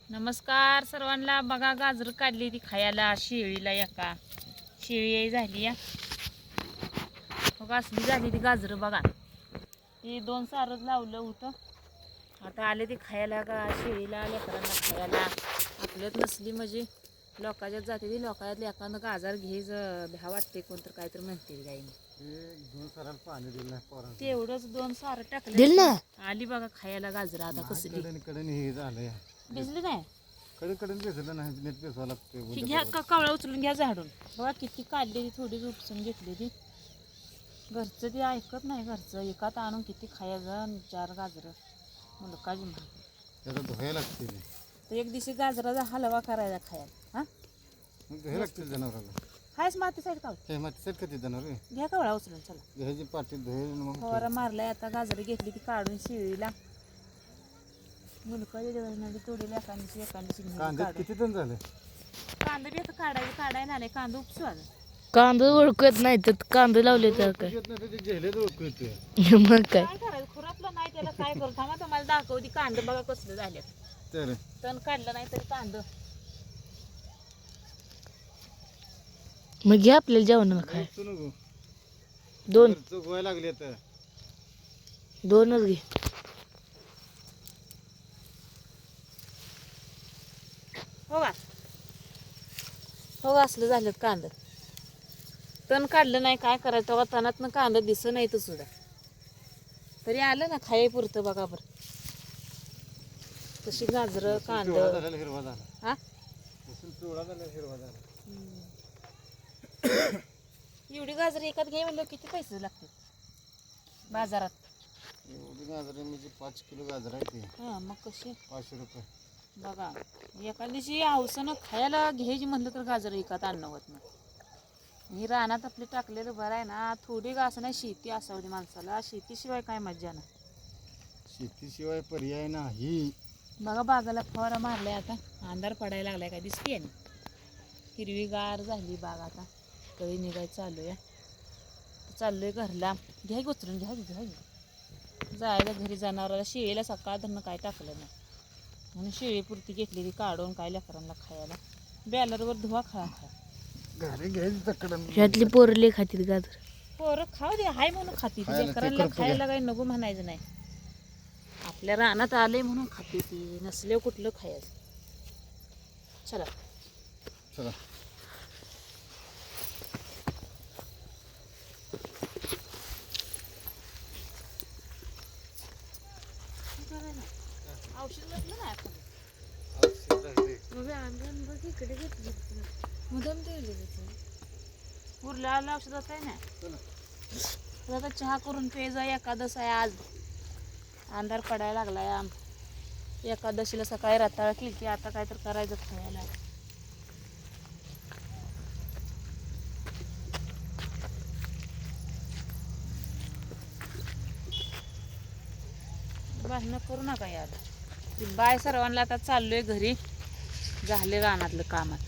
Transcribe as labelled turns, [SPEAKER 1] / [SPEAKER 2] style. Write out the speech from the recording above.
[SPEAKER 1] नमस्कार सर्वांना. बघा गाजर काढली ती खायला शेळीला. एका शेळी झाली या बघा, असली झाली ती गाजर. बघा ती 2 सारच लावलं होतं, आता आले ती खायला का शेळीला लेकरांना खायला. आपल्यात नसली म्हणजे लोकांच्यात जाते ती. लोकांच्यात एखादं गाजर घेज भ्या वाटते, कोणतर काहीतरी म्हणते गाईने. तेवढंच 2 सार टाकले आली बघा खायला गाजर. आता कसली भिजली नाही, घ्या कवळा उचलून घ्या झाडून. बघा किती काढली ती, थोडी उपसून घेतली ती. घरचं ती ऐकत नाही, घरचं एकात आणून किती खायचं. 4 गाजर मुलकाची म्हणते
[SPEAKER 2] धुवायला लागते.
[SPEAKER 1] तर एक दिवशी गाजराचा हलवा करायचा खायला.
[SPEAKER 2] धुवायला लागते जनावराला.
[SPEAKER 1] हायच माती साईड का
[SPEAKER 2] माती साईड खाते जनावर.
[SPEAKER 1] घ्या कवळा उचलून. चला
[SPEAKER 2] घ्यायची पाठी धुवायला.
[SPEAKER 1] फवारा मारलाय. आता गाजर घेतली ती काढून शेळीला. मुलकाची तोडीला एखादी
[SPEAKER 2] किती जण झाले.
[SPEAKER 1] कांदा बी आता काढायला नाही. कांदा उपसू आता.
[SPEAKER 3] कांदा ओळखत नाही तर कांदा लावले तर काय मग काय
[SPEAKER 1] काय करायचं, खुरापलं नाही त्याला काय करू. थांबा तुम्हाला दाखवती कांदा. बघा कसलं झाले. तण काढलं नाही तरी कांदा.
[SPEAKER 3] मग घ्या आपल्याला जेवण काय 2
[SPEAKER 2] गोवायला लागले तर
[SPEAKER 3] 2च घे.
[SPEAKER 1] हो का, हो असलं झालं कांदा. तण काढलं नाही काय करायचं. तेव्हा तणातनं कांदा दिसत नाही तर सुद्धा तरी आलं ना खाये पुरतं. बघा बरं तशी गाजर कांदा.
[SPEAKER 2] हिरवा झाला.
[SPEAKER 1] हा
[SPEAKER 2] पिवळा झाला, हिरवा झाला.
[SPEAKER 1] एवढी गाजर एकात घे म्हणलं किती पैसे लागतात बाजारात.
[SPEAKER 2] एवढी गाजर म्हणजे 5 किलो गाजर आहे ती.
[SPEAKER 1] हा मग कशी
[SPEAKER 2] 500 रुपये.
[SPEAKER 1] बघा एका दिवशी हौसानं खायला घ्यायची म्हणलं तर गाजर एकात आणणं होत नाही. ही रानात आपली टाकलेलं बरं आहे ना. थोडी गास नाही, शेती असावी माणसाला. शेतीशिवाय काय मज्जा नाही.
[SPEAKER 2] शेतीशिवाय पर्याय नाही.
[SPEAKER 1] बघा बागाला फवारा मारलाय. आता अंधार पडायला लागलाय, काय दिसते ना. हिरवीगार झाली बाग. आता कधी निघायचं चालू आहे. चाललोय घरला. घ्या उचलून घ्या जायला घरी. जनावराला शेळीला सकाळ धरणं काय टाकलं नाही म्हणून शेळीपुरती घेतली ती काढून. काय लेकरांना खायला बॅलरवर धुवा खा
[SPEAKER 2] घरी घ्यायची.
[SPEAKER 3] ह्यातली पोरले खातील गाजर.
[SPEAKER 1] पोरं खाऊ दे, हाय म्हणून खाती. लेकरांना खायला काही नको म्हणायचं नाही. आपल्या रानात आले म्हणून खाते ती, नसले कुठलं खायचं. चला
[SPEAKER 2] चला
[SPEAKER 1] औषध घेतलं ना आपण. इकडे घेतली मुदम उरला औषधात आहे ना. आता चहा करून पेजा. एकादश आहे आज. अंधार पडायला लागलाय. एकादशीला सकाळी रताळ केली की आता काय तर करायचं खायला. भांडणं करू नका यार. बाय सर्वांना. आता चाललोय घरी. झाले रानातलं कामात.